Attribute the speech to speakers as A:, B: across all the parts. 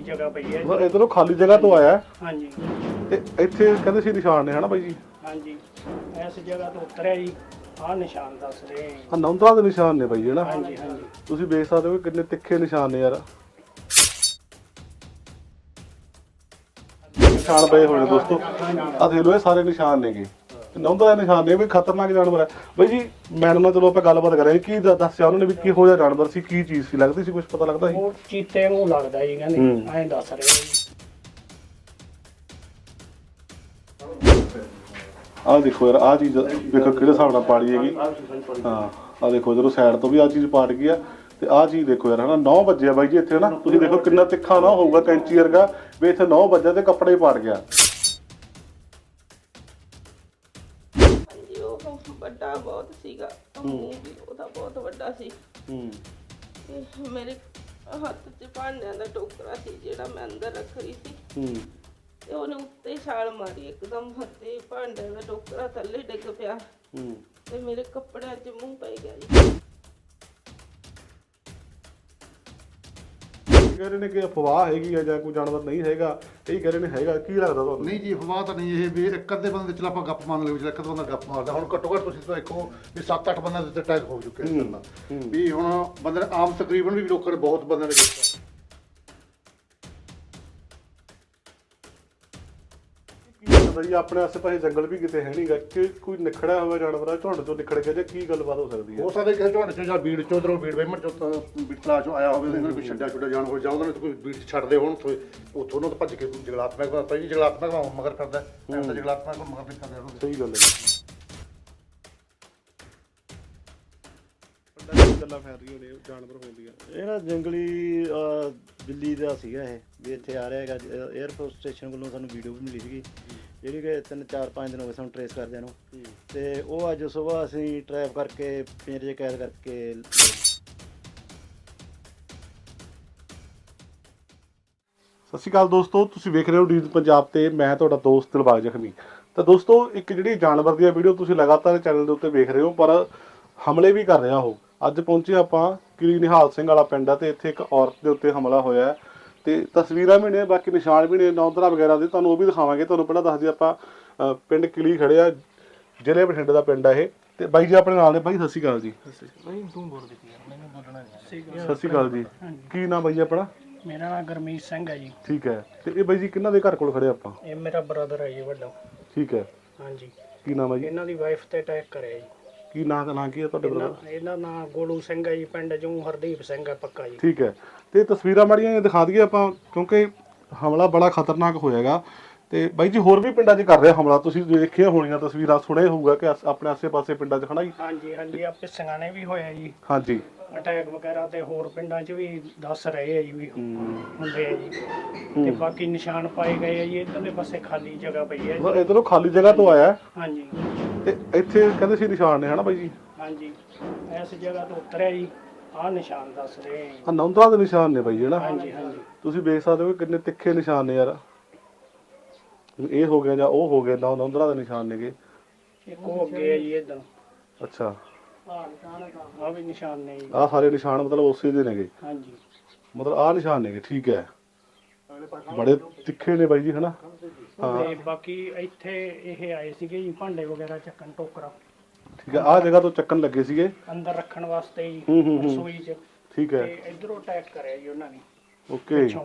A: जगह पई है
B: इधरों खाली जगह तो आया
A: हाँ जी
B: ਤੇ ਇੱਥੇ ਕਹਿੰਦੇ ਸੀ ਨਿਸ਼ਾਨ ਨੇ ਹਨਾ ਬਾਈ ਜੀ
A: हाँ जी इस जगह तो उतरिया जी आ निशान दस रहे हैं
B: ਆ ਨੌਂਦਰਾ ਦੇ ਨਿਸ਼ਾਨ ਨੇ ਬਾਈ ਹਨਾ
A: हाँ जी हाँ जी
B: ਤੁਸੀਂ ਵੇਖ ਸਕਦੇ ਹੋ ਕਿੰਨੇ ਤਿੱਖੇ ਨਿਸ਼ਾਨ ਨੇ ਯਾਰ ਨਿਸ਼ਾਨ ਪਏ ਹੋਏ ਨੇ ਦੋਸਤੋ ਆ ਦੇਖ ਲਓ ਇਹ ਸਾਰੇ ਨਿਸ਼ਾਨ ਨੇਗੇ ਨੌਂਦਰਾ ਦੇ ਨਿਸ਼ਾਨ ਨੇ ਵੀ ਖਤਰਨਾਕ ਜਾਨਵਰ ਹੈ ਬਾਈ ਜੀ ਮੈਡਮ ਨਾਲ ਚਲੋ ਆਪਾਂ ਗੱਲਬਾਤ ਕਰਾਂਗੇ ਕੀ ਦੱਸਿਆ ਉਹਨਾਂ ਨੇ ਵੀ ਕਿਹੋ ਜਿਹਾ ਜਾਨਵਰ ਸੀ ਕੀ ਚੀਜ਼ ਸੀ ਲੱਗਦੀ ਸੀ ਕੁਝ ਪਤਾ ਲੱਗਦਾ ਸੀ
A: वो चीते वांगू लगदा जी कहंदे ऐ दस रहे हैं जी
B: ਆਹ ਦੇਖੋ ਯਾਰ ਆਹ ਚੀਜ਼ ਦੇਖੋ ਕਿਹੜੇ ਹਿਸਾਬ ਨਾਲ ਪਾੜੀ ਹੈਗੀ ਹਾਂ ਆਹ ਦੇਖੋ ਜਦੋਂ ਸਾਈਡ ਤੋਂ ਵੀ ਆਹ ਚੀਜ਼ ਪਾਟ ਗਈ ਆ ਤੇ ਆਹ ਚੀਜ਼ ਦੇਖੋ ਯਾਰ ਹਨਾ 9 ਵਜੇ ਬਾਈ ਜੀ ਇੱਥੇ ਹਨਾ ਤੁਸੀਂ ਦੇਖੋ ਕਿੰਨਾ ਤਿੱਖਾ ਨਾ ਹੋਊਗਾ ਕੈਂਚੀ ਵਰਗਾ ਵੀ ਇੱਥੇ 9 ਵਜੇ ਤੇ ਕੱਪੜੇ ਹੀ ਪਾਟ ਗਿਆ
C: ਹਾਂਜੀ ਉਹ ਵੱਡਾ ਬਹੁਤ ਸੀਗਾ ਮੂੰਹ ਵੀ ਉਹਦਾ ਬਹੁਤ ਵੱਡਾ ਸੀ ਤੇ ਮੇਰੇ ਹੱਥ 'ਚ ਭਾਂਡਿਆਂ ਦਾ ਟੋਕਰਾ ਸੀ ਜਿਹੜਾ ਮੈਂ ਅੰਦਰ ਰੱਖ ਰਹੀ ਸੀ ਤੇ ਉਹਨੇ ਉੱਤੇ ਛਾਲ ਮਾਰੀ ਇੱਕਦਮ ਤੇ ਭਾਂਡਿਆਂ ਦਾ ਟੋਕਰਾ ਥੱਲੇ ਡਿੱਗ ਪਿਆ ਤੇ ਮੇਰੇ ਕੱਪੜਿਆਂ 'ਚ ਮੂੰਹ ਪੈ ਗਿਆ ਜੀ
B: ਕਹਿ ਰਹੇ ਨੇ ਕਿ ਅਫਵਾਹ ਹੈਗੀ ਆ ਜਾਂ ਕੋਈ ਜਾਨਵਰ ਨਹੀਂ ਹੈਗਾ ਇਹ ਕਹਿ ਰਹੇ ਨੇ ਹੈਗਾ ਕੀ ਲੱਗਦਾ ਤੁਹਾਨੂੰ
D: ਨਹੀਂ ਜੀ ਅਫਵਾਹ ਤਾਂ ਨਹੀਂ ਇਹ ਵੀ ਇੱਕ ਅੱਧੇ ਬੰਦੇ ਚਲ ਆਪਾਂ ਗੱਪ ਮੰਨ ਲਓ ਜਿਹੜਾ ਇੱਕ ਬੰਦਾ ਗੱਪ ਮਾਰਦਾ ਹੁਣ ਘੱਟੋ ਘੱਟ ਤੁਸੀਂ ਦੇਖੋ ਵੀ 7-8 ਬੰਦਿਆਂ ਦੇ ਉੱਤੇ ਅਟੈਕ ਹੋ ਚੁੱਕੇ ਇਸ ਤਰ੍ਹਾਂ ਦਾ ਵੀ ਹੁਣ ਬੰਦੇ ਨੇ ਆਮ ਤਕਰੀਬਨ ਵੀ ਲੋਕਾਂ ਨੇ ਬਹੁਤ ਬੰਦਿਆਂ ਨੇ ਕੀਤਾ
B: ਜੀ ਆਪਣੇ ਆਸੇ ਪਾਸੇ ਜੰਗਲ ਵੀ ਕਿਤੇ ਹੈ ਨਹੀਂਗਾ ਕਿ ਕੋਈ ਨਿਖੜਿਆ ਹੋਇਆ ਜਾਨਵਰ ਆ ਝੁੰਡ ਤੋਂ ਨਿਖੜ ਗਿਆ ਜਾਂ ਕੀ ਗੱਲਬਾਤ ਹੋ ਸਕਦੀ ਹੈ
D: ਹੋ ਸਕਦਾ ਕਿਸੇ ਝੋਨੇ ਚੋਂ ਜਾਂ ਬੀੜ ਚੋਂ ਉਧਰੋਂ ਬੀੜ ਵੇਮਣ ਚੋਂ ਬੀੜ ਤਲਾ ਚੋਂ ਆਇਆ ਹੋਵੇ ਉਹਨਾਂ ਨੇ ਕੋਈ ਛੱਡਿਆ ਛੁੱਡਿਆ ਜਾਨਵਰ ਜਾਂ ਉਹਨਾਂ ਨੇ ਕੋਈ ਬੀੜ ਛੱਡਦੇ ਹੋਣ ਉੱਥੋਂ ਨੂੰ ਤਾਂ ਭੱਜ ਕੇ ਜੰਗਲਾਤਮਕ ਪਹਿਲੀ ਜੰਗਲਾਤਮਕ ਮਗਰ ਕਰਦਾ ਐਂ ਤਾਂ ਜੰਗਲਾਤਮਕ ਮਗਰ ਨਹੀਂ ਕਰਦਾ ਉਹਨੂੰ
B: ਸਹੀ ਗੱਲ ਹੈ ਗੱਲਾਂ ਫੈਲ ਰਹੀਆਂ ਨੇ ਜਾਨਵਰ ਹੁੰਦੀਆਂ
E: ਇਹ ਨਾ ਜੰਗਲੀ ਦਿੱਲੀ ਦਾ ਸੀਗਾ ਇਹ ਵੀ ਇੱਥੇ ਆ ਰਿਹਾ ਹੈਗਾ 에ਅਰਫੋਰਸ ਸਟੇਸ਼ਨ ਵੱਲੋਂ ਸਾਨੂੰ ਵੀਡੀਓ ਵੀ ਮਿਲੀ ਸੀਗੀ ਜਿਹੜੀ ਕਿ 3-4-5 ਦਿਨ ਹੋ ਗਏ ਸਾਨੂੰ ਟਰੇਸ ਕਰਦਿਆਂ ਨੂੰ ਤੇ ਉਹ ਅੱਜ ਸਵੇਰ ਅਸੀਂ ਟਰੈਪ ਕਰਕੇ ਪਿੰਜਰੇ 'ਚ ਕੈਦ ਕਰਕੇ
B: ਸਤਿ ਸ਼੍ਰੀ ਅਕਾਲ ਦੋਸਤੋ ਤੁਸੀਂ ਵੇਖ ਰਹੇ ਹੋ ਡੀਜ਼ ਪੰਜਾਬ ਤੇ ਮੈਂ ਤੁਹਾਡਾ ਦੋਸਤ ਦਿਲਬਾਗ ਜ਼ਖਮੀ ਤਾਂ ਦੋਸਤੋ ਇੱਕ ਜਿਹੜੀ ਜਾਨਵਰ ਦੀ ਵੀਡੀਓ ਤੁਸੀਂ ਲਗਾਤਾਰ ਚੈਨਲ ਦੇ ਉੱਤੇ ਵੇਖ ਰਹੇ ਹੋ ਪਰ ਹਮਲੇ ਵੀ ਕਰ ਰਿਹਾ ਉਹ ਅੱਜ ਪਹੁੰਚੇ ਆਪਾਂ ਕਿਲੀ ਨਿਹਾਲ ਸਿੰਘ ਵਾਲਾ ਪਿੰਡ ਆ ਤੇ ਇੱਥੇ ਇੱਕ ਔਰਤ ਦੇ ਉੱਤੇ ਹਮਲਾ ਹੋਇਆ ਤੇ ਤਸਵੀਰਾਂ ਵੀ ਨੇ ਬਾਕੀ ਨਿਸ਼ਾਨ ਵੀ ਨੇ ਨੌਂਦਰਾ ਵਗੈਰਾ ਦੇ ਤੁਹਾਨੂੰ ਉਹ ਵੀ ਦਿਖਾਵਾਂਗੇ ਤੁਹਾਨੂੰ ਪਹਿਲਾਂ ਦੱਸ ਦਈਏ ਆਪਾਂ ਪਿੰਡ ਕਿਲੀ ਖੜੇ ਆ ਜ਼ਿਲ੍ਹੇ ਬਠਿੰਡੇ ਦਾ ਪਿੰਡ ਆ ਇਹ ਤੇ ਬਾਈ ਜੀ ਆਪਣੇ ਨਾਲ ਨੇ ਬਾਈ ਸਤਿ ਸ਼੍ਰੀ ਅਕਾਲ ਜੀ
A: भाई तू बोल देती है मैंने बोलना नहीं
B: ਸਤਿ ਸ਼੍ਰੀ ਅਕਾਲ ਜੀ ਕੀ ਨਾਮ ਬਾਈ ਜੀ ਆਪਣਾ
A: मेरा नाम गुरमीत सिंह है जी
B: ਠੀਕ ਹੈ ਤੇ ਇਹ ਬਾਈ ਜੀ ਕਿਹਨਾਂ ਦੇ ਘਰ ਕੋਲ ਖੜੇ ਆਪਾਂ
A: ये मेरा ब्रदर है जी ਵੱਡਾ
B: ਠੀਕ ਹੈ
A: हाँ जी
B: ਕੀ ਨਾਮ ਹੈ ਜੀ
A: ਇਹਨਾਂ ਦੀ ਵਾਈਫ ਤੇ ਅਟੈਕ ਕਰਿਆ ਜੀ
B: ਕੀ ਨਾਂ ਕੀ ਹੈ ਤੁਹਾਡੇ ਬ੍ਰਦਰ
A: ਇਹਨਾਂ ਦਾ ਗੋਲੂ ਸਿੰਘ ਹੈ ਜੀ ਪਿੰਡ ਚੋਂ ਹਰਦੀਪ ਸਿੰਘ ਹੈ ਪੱਕਾ ਜੀ
B: ਠੀਕ ਹੈ ਤੇ ਤਸਵੀਰਾਂ ਮਾੜੀਆਂ ਦਿਖਾ ਦਈਏ ਆਪਾਂ ਕਿਉਂਕਿ ਹਮਲਾ ਬੜਾ ਖਤਰਨਾਕ ਹੋਇਆਗਾ ਤੇ ਬਾਈ ਜੀ ਹੋਰ ਵੀ ਪਿੰਡਾਂ 'ਚ ਕਰ ਰਿਹਾ ਹਮਲਾ ਤੁਸੀਂ ਦੇਖੀਆਂ ਹੋਣੀਆਂ ਤਸਵੀਰਾਂ ਸੁਣੇ ਹੋਊਗਾ ਕਿ ਆਪਣੇ ਆਸੇ-ਪਾਸੇ ਪਿੰਡਾਂ 'ਚ ਖੜਾ ਜੀ
A: ਹਾਂਜੀ ਹਾਂਜੀ ਆ ਪਿੱਛੀਆਂ ਨੇ ਵੀ ਹੋਇਆ ਜੀ
B: ਹਾਂਜੀ
A: ਅਟੈਕ ਵਗੈਰਾ ਤੇ ਹੋਰ ਪਿੰਡਾਂ 'ਚ ਵੀ ਦੱਸ ਰਹੇ ਆ ਜੀ ਵੀ ਹੁੰਦੇ ਆ ਜੀ ਤੇ ਬਾਕੀ ਨਿਸ਼ਾਨ ਪਾਏ ਗਏ ਆ ਜੀ ਇਧਰਲੇ ਪਾਸੇ ਖਾਲੀ ਜਗ੍ਹਾ ਪਈ ਹੈ ਜੀ
B: ਇਧਰੋਂ ਖਾਲੀ ਜਗ੍ਹਾ ਤੋਂ ਆਇਆ
A: ਹਾਂਜੀ
B: ਤੇ ਇੱਥੇ ਕਹਿੰਦੇ ਸੀ ਨਿਸ਼ਾਨ ਨੇ ਹਨਾ ਬਾਈ ਜੀ
A: ਹਾਂਜੀ ਇਸ ਜਗ੍ਹਾ ਤੋਂ ਉਤਰਿਆ ਜੀ ਆ ਨਿਸ਼ਾਨ ਦੱਸ ਰਹੇ ਆ
B: ਆ ਨੌਂਦਰਾ ਦੇ ਨਿਸ਼ਾਨ ਨੇ ਬਾਈ ਹਨਾ
A: ਹਾਂਜੀ ਹਾਂਜੀ
B: ਤੁਸੀਂ ਵੇਖ ਸਕਦੇ ਹੋ ਕਿੰਨੇ ਤਿੱਖੇ ਨਿਸ਼ਾਨ ਨੇ ਯਾਰ ਇਹ ਹੋ ਗਿਆ ਜਾਂ ਉਹ ਹੋ ਗਿਆ ਨੌਂਦਰਾ ਦੇ ਨਿਸ਼ਾਨ ਨੇਗੇ
A: ਇੱਕ ਉਹ ਅੱਗੇ ਹੈ ਜੀ ਇਧਰ
B: ਅੱਛਾ
A: ਆ ਵੀ ਨਿਸ਼ਾਨ ਨੇ ਜੀ
B: ਆਹ ਸਾਰੇ ਨਿਸ਼ਾਨ ਮਤਲਬ ਉਸੇ ਦੇ ਨੇਗੇ
A: ਹਾਂਜੀ
B: ਮਤਲਬ ਆਹ ਨਿਸ਼ਾਨ ਨੇਗੇ ਠੀਕ ਹੈ ਬੜੇ ਤਿੱਖੇ ਨੇ ਬਾਈ ਜੀ ਹਨਾ
A: ਤੇ ਬਾਕੀ ਇੱਥੇ ਇਹ ਆਏ ਸੀਗੇ ਜੀ ਭਾਂਡੇ ਵਗੈਰਾ ਚੱਕਣ ਟੋਕਰਾ
B: ਠੀਕ ਹੈ ਆਹ ਜਗ੍ਹਾ ਤੋਂ ਚੱਕਣ ਲੱਗੇ ਸੀਗੇ
A: ਅੰਦਰ ਰੱਖਣ ਵਾਸਤੇ ਜੀ ਰਸੋਈ 'ਚ
B: ਠੀਕ ਹੈ
A: ਤੇ ਇਧਰੋਂ ਅਟੈਕ ਕਰਿਆ ਜੀ ਉਹਨਾਂ ਨੇ
B: ਓਕੇ
A: ਪਿੱਛੋਂ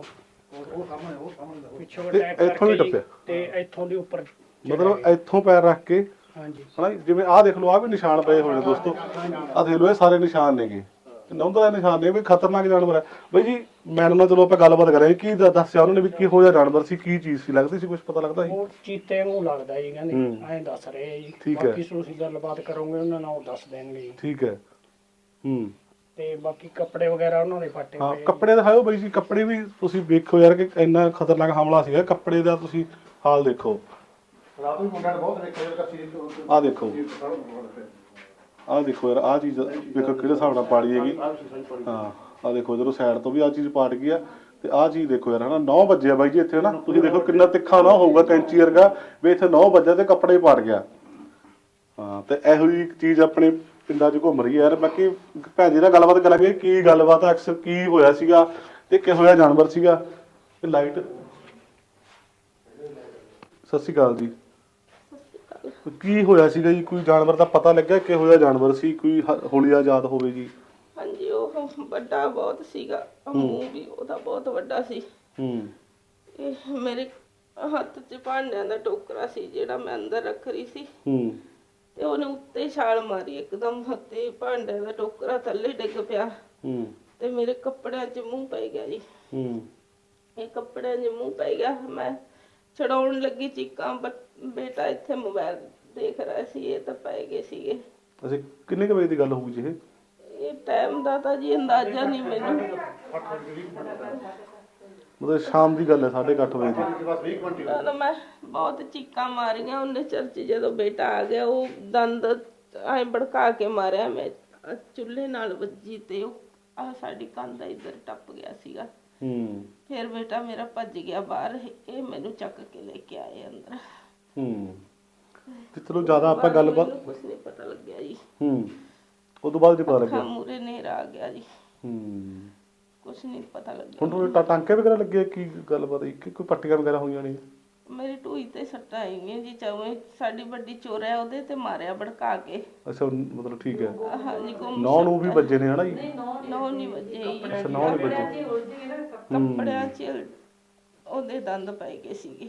B: ਤੇ
A: ਅਟੈਕ
B: ਇੱਥੋਂ ਵੀ
A: ਕਰਕੇ
B: ਟੱਪਿਆ?
A: ਜੀ, ਤੇ ਇੱਥੋਂ ਦੀ ਉੱਪਰ
B: ਮਤਲਬ ਇੱਥੋਂ ਪੈਰ ਰੱਖ ਕੇ
A: ਹਾਂਜੀ
B: ਹਨਾ ਜਿਵੇਂ ਆਹ ਦੇਖ ਲਓ ਆਹ ਵੀ ਨਿਸ਼ਾਨ ਪਏ ਹੋਏ ਨੇ ਦੋਸਤੋ ਆਹ ਦੇਖ ਲਓ ਇਹ ਸਾਰੇ ਨਿਸ਼ਾਨ ਨੇਗੇ ਨੌਂਦਰਾ ਦੇ ਨਿਸ਼ਾਨ ਨੇ ਵੀ ਖਤਰਨਾਕ ਜਾਨਵਰ ਹੈ ਬਾਈ ਜੀ ਮੈਡਮ ਨਾਲ ਚਲੋ ਆਪਾਂ ਗੱਲਬਾਤ ਕਰਾਂਗੇ ਕੀ ਦੱਸਿਆ ਉਹਨਾਂ ਨੇ ਵੀ ਕਿਹੋ ਜਿਹਾ ਜਾਨਵਰ ਸੀ ਕੀ ਚੀਜ਼ ਸੀ ਲੱਗਦੀ ਸੀ ਕੁਝ ਪਤਾ ਲੱਗਦਾ ਸੀ
A: ਉਹ ਚੀਤੇ ਵਾਂਗੂ ਲੱਗਦਾ ਜੀ ਕਹਿੰਦੇ ਐਂ ਦੱਸ ਰਹੇ ਆ ਜੀ
B: ਠੀਕ ਹੈ।
A: ਬਾਕੀ ਤੁਸੀਂ ਗੱਲਬਾਤ ਕਰੋਗੇ ਉਹਨਾਂ ਨਾਲ ਉਹ ਦੱਸ ਦੇਣਗੇ ਜੀ
B: ਠੀਕ ਹੈ
A: ਤੇ ਬਾਕੀ ਕੱਪੜੇ ਵਗੈਰਾ ਉਹਨਾਂ ਦੇ ਫਾਟੇ
B: ਹਾਂ
A: ਹੋਏ ਆ
B: ਕੱਪੜੇ ਦਿਖਾਓ ਬਾਈ ਜੀ ਕੱਪੜੇ ਵੀ ਤੁਸੀਂ ਵੇਖੋ ਯਾਰ ਕਿ ਇੰਨਾ ਖਤਰਨਾਕ ਹਮਲਾ ਸੀਗਾ ਕੱਪੜੇ ਦਾ ਤੁਸੀਂ ਹਾਲ ਦੇਖੋ
D: ਰਾਤ ਨੂੰ ਮੁੰਡਿਆਂ ਨੇ ਬਹੁਤ ਦੇਖਿਆ ਜਿਹੜਾ ਸੀ
B: ਆਹ ਦੇਖੋ ਆਹ ਦੇਖੋ ਯਾਰ ਆਹ ਚੀਜ਼ ਵੇਖੋ ਕਿਹੜੇ ਹਿਸਾਬ ਨਾਲ ਪਾੜੀ ਹੈਗੀ ਹਾਂ ਆਹ ਦੇਖੋ ਜਦੋਂ ਸਾਈਡ ਤੋਂ ਵੀ ਆਹ ਚੀਜ਼ ਪਾਟ ਗਈ ਆ ਤੇ ਆਹ ਚੀਜ਼ ਦੇਖੋ ਯਾਰ ਹਨਾ 9 ਵਜੇ ਆ ਬਾਈ ਜੀ ਇੱਥੇ ਹਨਾ ਤੁਸੀਂ ਦੇਖੋ ਕਿੰਨਾ ਤਿੱਖਾ ਨਾ ਹੋਊਗਾ ਕੈਂਚੀ ਵਰਗਾ ਵੀ ਇੱਥੇ 9 ਵਜੇ ਤੇ ਕੱਪੜੇ ਪਾਟ ਗਿਆ ਹਾਂ ਤੇ ਇਹੋ ਜਿਹੀ ਚੀਜ਼ ਆਪਣੇ ਪਿੰਡਾਂ 'ਚ ਘੁੰਮ ਰਹੀ ਹੈ ਯਾਰ ਬਾਕੀ ਭੈਣ ਜੀ ਨਾਲ ਗੱਲਬਾਤ ਕਰਾਂਗੇ ਕੀ ਗੱਲਬਾਤ ਅਕਸਰ ਕੀ ਹੋਇਆ ਸੀਗਾ ਤੇ ਕਿਹੋ ਜਿਹਾ ਜਾਨਵਰ ਸੀਗਾ ਇਹ ਲਾਈਟ। ਸਤਿ ਸ਼੍ਰੀ ਅਕਾਲ ਜੀ। ਕੀ ਹੋਇਆ ਸੀਗਾ ਜੀ? ਕੋਈ ਜਾਨਵਰ ਦਾ ਪਤਾ ਲੱਗਿਆ ਕਿਹੋ ਜਿਹਾ ਜਾਨਵਰ ਸੀ? ਕੋਈ ਹੋਲੀਆ ਯਾਦ ਹੋਵੇ ਜੀ?
C: ਹਾਂਜੀ, ਉਹ ਵੱਡਾ ਬਹੁਤ ਸੀਗਾ, ਮੂੰਹ ਵੀ ਉਹਦਾ ਬਹੁਤ ਵੱਡਾ ਸੀ। ਇਹ ਮੇਰੇ ਹੱਥ 'ਚ ਭਾਂਡਿਆਂ ਦਾ ਟੋਕਰਾ ਸੀ ਜਿਹੜਾ ਮੈਂ ਅੰਦਰ ਰੱਖ ਰਹੀ ਸੀ, ਤੇ ਉਹਨੇ ਉੱਤੇ ਛਾਲ ਮਾਰੀ ਇੱਕਦਮ, ਹੱਥੇ ਭਾਂਡਿਆਂ ਦਾ ਟੋਕਰਾ ਥੱਲੇ ਡਿੱਗ ਪਿਆ ਤੇ ਮੇਰੇ ਕੱਪੜਿਆਂ 'ਚ ਮੂੰਹ ਪੈ ਗਿਆ ਜੀ। ਇਹ ਕੱਪੜਿਆਂ 'ਚ ਮੂੰਹ ਪੈ ਗਿਆ। ਮੈਂ ਛਡਾਉਣ ਲੱਗੀ ਚੀਕਾਂ, ਬੇਟਾ ਇੱਥੇ ਮੋਬਾਈਲ ਦੇਖ ਰਿਹਾ ਸੀ, ਇਹ ਤਾਂ ਪੈ ਗਏ ਸੀਗੇ।
B: ਅੱਛਾ, ਕਿੰਨੇ ਕੁ ਵਜੇ ਦੀ ਗੱਲ ਹੋਊਗੀ ਜੀ ਇਹ?
C: ਇਹ ਟਾਈਮ ਦਾ ਤਾਂ ਜੀ ਅੰਦਾਜ਼ਾ ਨਹੀਂ ਮੈਨੂੰ।
B: ਮਤਲਬ ਸ਼ਾਮ ਦੀ ਗੱਲ ਹੈ, 8:30 ਵਜੇ ਦੀ।
C: ਜਦੋਂ ਮੈਂ ਬਹੁਤ ਚੀਕਾਂ ਮਾਰੀਆਂ ਉਹਨੇ ਚਰਚ, ਜਦੋਂ ਬੇਟਾ ਆ ਗਿਆ ਉਹ ਦੰਦ ਐ ਭੜਕਾ ਕੇ ਮਾਰਿਆ। ਮੈਂ ਚੁੱਲ੍ਹੇ ਨਾਲ ਵੱਜੀ ਤੇ ਉਹ ਆ ਸਾਡੀ ਕੰਧ ਇੱਧਰ ਟੱਪ ਗਿਆ ਸੀਗਾ। ਫਿਰ ਬੇਟਾ ਮੇਰਾ ਭੱਜ ਗਿਆ ਬਾਹਰ, ਇਹ ਮੈਨੂੰ ਚੱਕ ਕੇ ਲੈ ਕੇ ਆਏ ਅੰਦਰ।
B: ਤੇ ਚਲੋ ਜ਼ਿਆਦਾ ਆਪਾਂ ਗੱਲਬਾਤ,
C: ਕੁਝ ਨਹੀਂ ਪਤਾ ਲੱਗਿਆ ਜੀ।
B: ਉਸ ਤੋਂ ਬਾਅਦ ਜੀ ਪਤਾ ਲੱਗਿਆ।
C: ਮੂਰੇ ਹਨੇਰਾ ਆ ਗਿਆ ਜੀ। ਕੁਝ ਨਹੀਂ ਪਤਾ ਲੱਗਿਆ।
B: ਹੁਣ ਤੁਹਾਨੂੰ ਟਾਂਕੇ ਵਗੈਰਾ ਲੱਗੇ? ਕੀ ਗੱਲਬਾਤ ਹੈ? ਕੋਈ ਪੱਟੀਆਂ ਵਗੈਰਾ ਹੋਈਆਂ ਨੇ?
C: ਮੇਰੀ ਢੂਈ ਤੇ ਸੱਟਾਂ ਆਈਆਂ ਜੀ। ਚਵੇਂ ਸਾਡੀ ਵੱਡੀ ਚੋਰ ਹੈ, ਉਹਦੇ ਤੇ ਮਾਰਿਆ ਭੜਕਾ ਕੇ।
B: ਅੱਛਾ, ਮਤਲਬ ਠੀਕ ਹੈ।
C: ਹਾਂਜੀ,
B: ਨੌ ਨੂੰ ਵੀ ਵੱਜੇ ਨੇ ਹਨਾ ਜੀ?
C: ਨੌ ਨਹੀਂ ਵੱਜੇ ਜੀ।
B: ਅੱਛਾ, ਨੌ ਨਹੀਂ ਵੱਜੇ।
C: ਕੱਪੜਿਆਂ 'ਚ ਉਹਦੇ ਦੰਦ ਪੈ ਗਏ ਸੀਗੇ।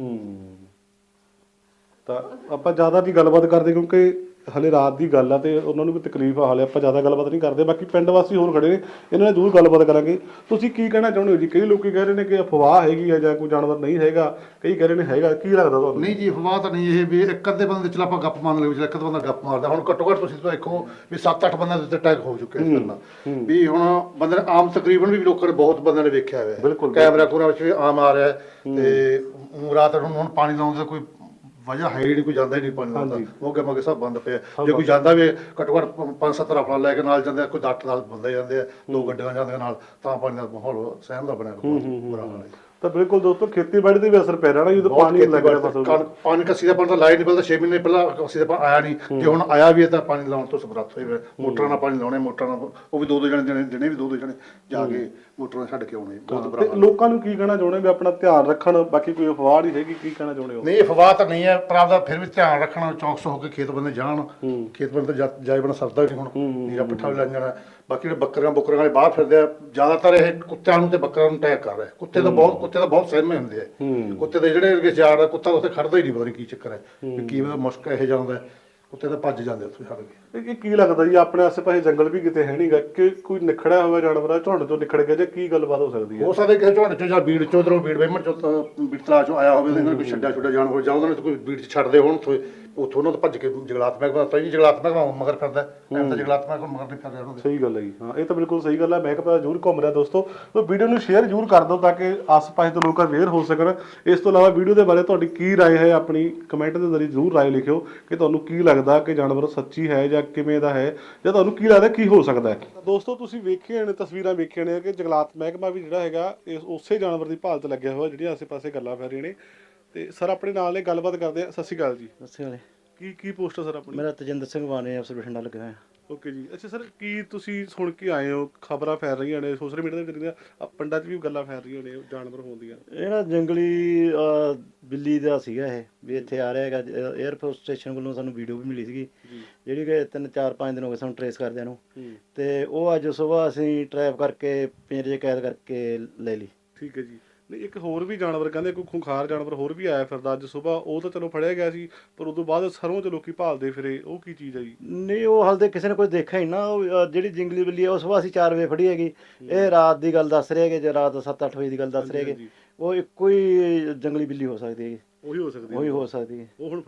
B: ਤਾਂ ਆਪਾਂ ਜ਼ਿਆਦਾ ਦੀ ਗੱਲਬਾਤ ਕਰਦੇ ਕਿਉਂਕਿ ਹਲੇ ਰਾਤ ਦੀ ਗੱਲ ਆ ਤੇ ਉਹਨਾਂ ਨੂੰ ਵੀ ਤਕਲੀਫ ਆ। ਹਾਲੇ ਆਪਾਂ ਜ਼ਿਆਦਾ ਗੱਲਬਾਤ ਨਹੀਂ ਕਰਦੇ। ਬਾਕੀ ਪਿੰਡ ਵਾਸੀ ਹੋਰ ਖੜੇ ਨੇ, ਇਹਨਾਂ ਨਾਲ ਜ਼ਰੂਰ ਗੱਲਬਾਤ ਕਰਾਂਗੇ। ਤੁਸੀਂ ਕੀ ਕਹਿਣਾ ਚਾਹੁੰਦੇ ਹੋ ਜੀ? ਕਈ ਲੋਕੀ ਕਹਿ ਰਹੇ ਨੇ ਕਿ ਅਫਵਾਹ ਹੈਗੀ ਆ ਜਾਂ ਕੋਈ ਜਾਨਵਰ ਨਹੀਂ ਹੈਗਾ, ਕਈ ਕਹਿ ਰਹੇ ਨੇ ਹੈਗਾ। ਕੀ ਲੱਗਦਾ ਤੁਹਾਨੂੰ?
D: ਨਹੀਂ ਜੀ, ਅਫਵਾਹ ਤਾਂ ਨਹੀਂ। ਇਹ ਵੀ ਇੱਕ ਅੱਧੇ ਬੰਦੇ ਚਲ ਆਪਾਂ ਗੱਪ ਮੰਨ ਲਓ, ਇੱਕ ਅੱਧਾ ਬੰਦਾ ਗੱਪ ਮਾਰਦਾ। ਹੁਣ ਘੱਟੋ ਘੱਟ ਤੁਸੀਂ ਦੇਖੋ ਵੀ 7-8 ਬੰਦਿਆਂ ਦੇ ਉੱਤੇ ਅਟੈਕ ਹੋ ਚੁੱਕੇ ਇਸ ਤਰ੍ਹਾਂ ਵੀ। ਹੁਣ ਬੰਦੇ ਨੇ ਆਮ ਤਕਰੀਬਨ ਵੀ ਲੋਕਾਂ ਨੇ ਬਹੁਤ ਬੰਦਿਆਂ ਨੇ ਵੇਖਿਆ ਹੋਇਆ, ਕੈਮਰਾ ਕੂਮਰਾ ਵਿੱਚ ਵੀ ਆਮ ਆ ਰਿਹਾ। ਤੇ ਰਾਤ ਨੂੰ ਹੁਣ ਪਾਣੀ ਲਾਉਣ ਦਾ ਕੋਈ ਵਜ੍ਹਾ ਹੈ ਹੀ ਨਹੀਂ, ਕੋਈ ਜਾਂਦਾ ਹੀ ਨਹੀਂ ਪਾਣੀ ਲਾਉਂਦਾ। ਮੋਗੇ ਮੋਗੇ ਸਭ ਬੰਦ ਪਿਆ। ਜੇ ਕੋਈ ਜਾਂਦਾ ਵੀ ਘੱਟੋ ਘੱਟ 5-7 ਰਫਲਾਂ ਲੈ ਕੇ ਨਾਲ ਜਾਂਦੇ, ਕੋਈ 8 ਨਾਲ ਬੰਦੇ ਜਾਂਦੇ ਆ, 2 ਗੱਡੀਆਂ ਜਾਂਦੀਆਂ ਨਾਲ, ਤਾਂ ਪਾਣੀ ਦਾ ਮਾਹੌਲ ਸਹਿਮ ਦਾ ਬਣਿਆ ਬੁਰਾ ਹਾਲ ਹੈ।
B: ਤਾਂ ਬਿਲਕੁਲ ਦੋਸਤੋ, ਖੇਤੀਬਾੜੀ ਤੇ ਵੀ ਅਸਰ ਪੈ ਰਿਹਾ ਨਾ ਜਦੋਂ ਪਾਣੀ ਲੱਗ ਰਿਹਾ ਫਸਲ।
D: ਪਾਣੀ ਕੱਸੀ ਦਾ ਪਾਣੀ ਤਾਂ ਲਾਈਟ ਨਹੀਂ ਬਲਦਾ। 6 ਮਹੀਨੇ ਪਹਿਲਾਂ ਕੱਸੀ ਦਾ ਪਾਣੀ ਆਇਆ ਨਹੀਂ, ਜੇ ਹੁਣ ਆਇਆ ਵੀ ਹੈ ਤਾਂ ਪਾਣੀ ਲਾਉਣ ਤੋਂ ਸਮਰੱਥ ਹੋਏ। ਮੋਟਰਾਂ ਨਾਲ ਪਾਣੀ ਲਾਉਣੇ, ਮੋਟਰਾਂ ਨਾਲ ਉਹ ਵੀ 2-2 ਜਣੇ ਦਿਨੇ ਵੀ 2-2 ਜਣੇ ਜਾ ਕੇ ਮੋਟਰਾਂ ਛੱਡ ਕੇ ਆਉਣੇ। ਬਹੁਤ ਬੁਰਾ ਹਾਲ।
B: ਲੋਕਾਂ ਨੂੰ ਕੀ ਕਹਿਣਾ ਚਾਹੁੰਦੇ ਵੀ ਆਪਣਾ ਧਿਆਨ ਰੱਖਣ? ਬਾਕੀ ਕੋਈ ਅਫਵਾਹ ਨਹੀਂ ਹੈਗੀ, ਕੀ ਕਹਿਣਾ ਚਾਹੁੰਦੇ ਹੋ?
D: ਨਹੀਂ, ਅਫਵਾਹ ਤਾਂ ਨਹੀਂ ਹੈ, ਪਰ ਆਪਦਾ ਫਿਰ ਵੀ ਧਿਆਨ ਰੱਖਣਾ। ਚੌਕਸ ਹੋ ਕੇ ਖੇਤ ਬੰਦੇ ਜਾਣ। ਖੇਤ ਬੰਦੇ ਤਾਂ ਜਾਏ ਬਣਾ ਸਰਦਾ ਨਹੀਂ ਹੁਣ, ਨੀਰਾ ਪਿੱਠਾ ਵੀ ਲੱਗ ਜਾਣਾ। ਬਾਕੀ ਜਿਹੜੇ ਬੱਕਰੀਆਂ ਵਾਲੇ ਬਾਹਰ ਫਿਰਦੇ ਆ, ਜ਼ਿਆਦਾਤਰ ਇਹ ਕੁੱਤਿਆਂ ਨੂੰ ਤੇ ਬੱਕਰੀਆਂ ਨੂੰ ਅਟੈਕ ਕਰ ਰਿਹਾ। ਕੁੱਤੇ ਤਾਂ ਬਹੁਤ ਸਹਿਮੇ ਹੁੰਦੇ ਆ। ਕੁੱਤੇ ਦੇ ਜਿਹੜੇ ਜਾੜ ਆ, ਕੁੱਤਾ ਉੱਥੇ ਖੜਦਾ ਹੀ ਨਹੀਂ, ਪਤਾ ਨਹੀਂ ਕੀ ਚੱਕਰ ਹੈ, ਕੀ ਮੁਸ਼ਕ ਇਹੋ ਜਿਹਾ ਹੁੰਦਾ। ਕੁੱਤੇ ਤਾਂ ਭੱਜ ਜਾਂਦੇ ਉੱਥੇ ਛੱਡ ਕੇ।
B: ਇਹ ਕੀ ਲੱਗਦਾ ਜੀ, ਆਪਣੇ ਆਸੇ-ਪਾਸੇ ਜੰਗਲ ਵੀ ਕਿਤੇ ਹੈ ਨਹੀਂਗਾ ਕਿ ਕੋਈ ਨਿਖੜਿਆ ਹੋਇਆ ਜਾਨਵਰ ਆ ਝੁੰਡ ਤੋਂ ਨਿਖੜ ਗਿਆ, ਜਾਂ ਕੀ ਗੱਲਬਾਤ ਹੋ ਸਕਦੀ ਹੈ?
D: ਹੋ ਸਕਦਾ ਕਿਸੇ ਝੁੰਡ ਚੋਂ ਜਾਂ ਬੀੜ ਚੋਂ, ਉਧਰੋਂ ਬੀੜ ਵੇਮਣ ਚੋਂ, ਬੀੜ ਤਲਾਅ ਚੋਂ ਆਇਆ ਹੋਵੇ, ਉਹਨਾਂ ਕੋਈ ਛੱਡਿਆ ਜਾਨਵਰ, ਜਾਂ ਉਹਨਾਂ ਨੇ ਕੋਈ ਬੀੜ 'ਚ ਛੱਡਦੇ ਹੋਣ, ਉੱਥੋਂ ਉਹਨਾਂ ਤੋਂ ਭੱਜ ਕੇ ਜੰਗਲਾਤ ਮਹਿਕਮਾ ਤਾਂ ਜੀ ਜੰਗਲਾਤ ਮਹਿਕਮਾ ਮਗਰ ਫਿਰਦਾ। ਐਂ ਤਾਂ ਜੰਗਲਾਤ ਮਹਿਕਮਾ ਮਗਰ ਨਹੀਂ ਫਿਰ ਰਿਹਾ ਉਹਨਾਂ ਦੇ।
B: ਸਹੀ ਗੱਲ ਹੈ ਜੀ। ਹਾਂ, ਇਹ ਤਾਂ ਬਿਲਕੁਲ ਸਹੀ ਗੱਲ ਹੈ। ਮਹਿਕਮਾ ਜ਼ਰੂਰ ਘੁੰਮ ਰਿਹਾ ਦੋਸਤੋ। ਤਾਂ ਵੀਡੀਓ ਨੂੰ ਸ਼ੇਅਰ ਜ਼ਰੂਰ ਕਰ ਦਿਓ ਤਾਂ ਕਿ ਆਸ-ਪਾਸ ਦੇ ਲੋਕ ਅਵੇਅਰ ਹੋ ਸਕਣ। ਇਸ ਤੋਂ ਇਲਾਵਾ ਵੀਡੀਓ ਦੇ ਬਾਰੇ ਤੁਹਾਡੀ ਕੀ ਰਾਏ ਹੈ, ਆਪਣੀ ਕਮੈਂਟ ਦੇ ਜ਼ਰੀਏ ਜ਼ਰੂਰ ਰਾਏ ਲਿਖਿਓ ਕਿ ਤੁਹਾਨੂੰ ਕੀ ਲੱਗਦਾ ਕਿ ਜਾਨਵਰ ਸੱਚੀ ਹੈ ਜਾਂ ਕਿਵੇਂ ਦਾ ਹੈ, ਜਾਂ ਤੁਹਾਨੂੰ ਕੀ ਲੱਗਦਾ ਕੀ ਹੋ ਸਕਦਾ ਹੈ। ਦੋਸਤੋ, ਤੁਸੀਂ ਵੇਖੀਆਂ ਨੇ ਤਸਵੀਰਾਂ, ਵੇਖੀਆਂ ਨੇ ਕਿ ਜੰਗਲਾਤ ਮਹਿਕਮਾ ਵੀ ਜਿਹੜਾ ਹੈਗਾ ਇਸ ਉਸੇ ਜਾਨਵਰ ਦੀ ਭਾਲ 'ਤੇ ਲੱਗਿਆ ਹੋਇਆ, ਜਿਹੜੀਆਂ ਆਸੇ-ਪਾਸੇ ਗੱਲਾਂ ਫੈਲ ਰਹੀਆਂ ਨੇ। ਤੇ ਸਰ ਆਪਣੇ ਨਾਲ ਨੇ, ਗੱਲਬਾਤ ਕਰਦੇ ਆ। ਸਤਿ ਸ਼੍ਰੀ ਅਕਾਲ ਜੀ।
E: ਸਤਿ ਸ਼੍ਰੀ ਅਕਾਲ।
B: ਕੀ ਪੋਸਟ ਹੈ ਸਰ ਆਪਣੀ?
E: ਮੇਰਾ ਤਜਿੰਦਰ ਸਿੰਘ ਬਾਣੇ ਅਫਸਰ ਬਠਿੰਡਾ ਲੱਗਾ ਹੋਇਆ।
B: ਓਕੇ ਜੀ। ਅੱਛਾ ਸਰ, ਕੀ ਤੁਸੀਂ ਸੁਣ ਕੇ ਆਏ ਹੋ? ਖਬਰਾਂ ਫੈਲ ਰਹੀਆਂ ਨੇ ਸੋਸ਼ਲ ਮੀਡੀਆ ਦੇ ਜ਼ਰੀਏ, ਪਿੰਡਾਂ 'ਚ ਵੀ ਗੱਲਾਂ ਫੈਲ ਰਹੀਆਂ ਨੇ ਜਾਨਵਰ ਹੋਣ ਦੀਆਂ।
E: ਇਹ ਨਾ ਜੰਗਲੀ ਬਿੱਲੀ ਦਾ ਸੀਗਾ ਇਹ, ਵੀ ਇੱਥੇ ਆ ਰਿਹਾ ਹੈਗਾ। 에ਅਰਫੋਰਸ ਸਟੇਸ਼ਨ ਵੱਲੋਂ ਸਾਨੂੰ ਵੀਡੀਓ ਵੀ ਮਿਲੀ ਸੀਗੀ, ਜਿਹੜੀ ਕਿ 3-4-5 ਦਿਨ ਹੋ ਗਏ ਸਾਨੂੰ ਟਰੇਸ ਕਰਦਿਆਂ ਨੂੰ। ਤੇ ਉਹ ਅੱਜ ਸਵੇਰ ਅਸੀਂ ਟਰੈਪ ਕਰਕੇ ਪਿੰਜਰੇ 'ਚ ਕੈਦ ਕਰਕੇ ਲੈ ਲਈ।
B: ਠੀਕ ਹੈ ਜੀ। ਨਹੀਂ, ਇੱਕ ਹੋਰ ਵੀ ਜਾਨਵਰ ਕਹਿੰਦੇ ਕੋਈ ਖੁੰਖਾਰ ਜਾਨਵਰ ਹੋਰ ਵੀ ਆਇਆ ਫਿਰਦਾ ਅੱਜ ਸਵੇਰ, ਉਹ ਤਾਂ ਚਲੋ ਫੜਿਆ ਗਿਆ ਸੀ, ਪਰ ਉਦੋਂ ਬਾਅਦ ਸਰੋਂ 'ਚ ਲੋਕੀ ਭਾਲਦੇ ਫਿਰੇ, ਉਹ ਕੀ ਚੀਜ਼ ਹੈ ਜੀ?
E: ਨਹੀਂ, ਉਹ ਹਾਲੇ ਕਿਸੇ ਨੇ ਕੋਈ ਦੇਖਿਆ ਹੀ ਨਾ। ਉਹ ਜਿਹੜੀ ਜੰਗਲੀ ਬਿੱਲੀ ਆ ਉਹ ਸਵੇਰ ਅਸੀਂ 4 ਵਜੇ ਫੜੀ ਹੈਗੀ। ਇਹ ਰਾਤ ਦੀ ਗੱਲ ਦੱਸ ਰਹੇ ਹੈਗੇ, ਜੇ ਰਾਤ 7-8 ਵਜੇ ਦੀ ਗੱਲ ਦੱਸ ਰਹੇ ਹੈਗੇ। ਉਹ ਇੱਕੋ ਹੀ ਜੰਗਲੀ ਬਿੱਲੀ ਹੋ ਸਕਦੀ ਹੈਗੀ। ਉਹੀ ਹੋ ਸਕਦੀ ਹੈ। ਉਹ ਹੁਣ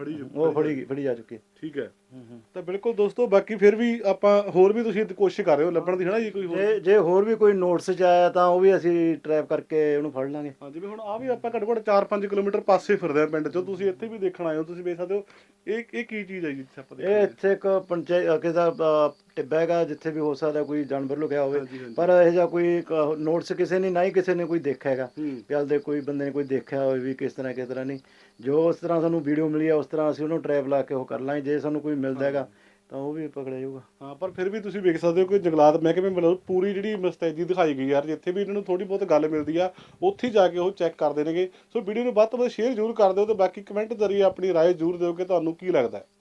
E: ਫੜੀ ਜਾ ਚੁੱਕੀ ਹੈ।
B: ਠੀਕ ਹੈ। ਤਾਂ ਬਿਲਕੁਲ ਦੋਸਤੋ, ਬਾਕੀ ਫਿਰ ਵੀ ਆਪਾਂ ਹੋਰ ਵੀ ਤੁਸੀਂ ਕੋਸ਼ਿਸ਼ ਕਰ ਰਹੇ ਹੋ ਲੱਭਣ ਦੀ ਹੈ ਨਾ ਜੀ? ਕੋਈ
E: ਜੇ ਹੋਰ ਵੀ ਕੋਈ ਨੋਟਿਸ 'ਚ ਆਇਆ ਤਾਂ ਉਹ ਵੀ ਅਸੀਂ ਟਰੈਪ ਕਰਕੇ ਉਹਨੂੰ ਫੜ ਲਾਂਗੇ।
B: ਹਾਂ, ਜਿਵੇਂ ਹੁਣ ਆ ਵੀ ਆਪਾਂ ਘੱਟੋ ਘੱਟ 4-5 ਕਿਲੋਮੀਟਰ ਪਾਸੇ ਫਿਰਦੇ ਆ ਪਿੰਡ 'ਚੋਂ, ਤੁਸੀਂ ਇੱਥੇ ਵੀ ਦੇਖਣ ਆਏ ਹੋ, ਤੁਸੀਂ ਵੇਖ ਸਕਦੇ ਹੋ। ਇਹ ਕੀ ਚੀਜ਼ ਹੈ ਜੀ?
E: ਇਹ ਇੱਥੇ ਇੱਕ ਪੰਚਾਇਤ ਕਿਸੇ ਦਾ ਟਿੱਬਾ ਹੈਗਾ, ਜਿੱਥੇ ਵੀ ਹੋ ਸਕਦਾ ਕੋਈ ਜਾਨਵਰ ਲੁਕਿਆ ਹੋਵੇ, ਪਰ ਇਹੋ ਜਿਹਾ ਕੋਈ ਨੋਟਿਸ ਕਿਸੇ ਨੇ, ਨਾ ਹੀ ਕਿਸੇ ਨੇ ਕੋਈ ਦੇਖਿਆ ਹੈਗਾ। ਪਿਆਲ ਦੇ ਕੋਈ ਬੰਦੇ ਨੇ ਕੋਈ ਦੇਖਿਆ ਹੋਵੇ ਵੀ ਕਿਸ ਤਰ੍ਹਾਂ ਨਹੀਂ। ਜੋ ਉਸ ਤਰ੍ਹਾਂ ਸਾਨੂੰ ਵੀਡੀਓ ਮਿਲੀ ਆ ਉਸ ਤਰ੍ਹਾਂ ਅਸੀਂ ਉਹਨੂੰ ਟਰੈਪ ਲਾ ਕੇ ਉਹ ਕਰ ਲਾਂਗੇ। ਜੇ ਸਾਨੂੰ ਕੋਈ ਮਿਲਦਾ ਹੈਗਾ ਤਾਂ ਉਹ ਵੀ ਪਕੜਿਆ ਜਾਊਗਾ।
B: ਹਾਂ, ਪਰ ਫਿਰ ਵੀ ਤੁਸੀਂ ਵੇਖ ਸਕਦੇ ਹੋ ਕਿ ਜੰਗਲਾਤ ਮਹਿਕਮੇ ਵੱਲੋਂ ਪੂਰੀ ਜਿਹੜੀ ਮੁਸਤੈਦੀ ਦਿਖਾਈ ਗਈ ਯਾਰ, ਜਿੱਥੇ ਵੀ ਇਹਨਾਂ ਨੂੰ ਥੋੜੀ ਬਹੁਤ ਗੱਲ ਮਿਲਦੀ ਆ ਉੱਥੇ ਜਾ ਕੇ ਉਹ ਚੈੱਕ ਕਰਦੇ ਨੇਗੇ। ਸੋ ਵੀਡੀਓ ਨੂੰ ਵੱਧ ਤੋਂ ਵੱਧ ਸ਼ੇਅਰ ਜ਼ਰੂਰ ਕਰ ਦਿਓ ਤੇ ਬਾਕੀ ਕਮੈਂਟ ਜ਼ਰੀਏ ਆਪਣੀ ਰਾਏ ਜ਼ਰੂਰ ਦਿਓ ਕਿ ਤੁਹਾਨੂੰ ਕੀ ਲੱਗਦਾ ਹੈ।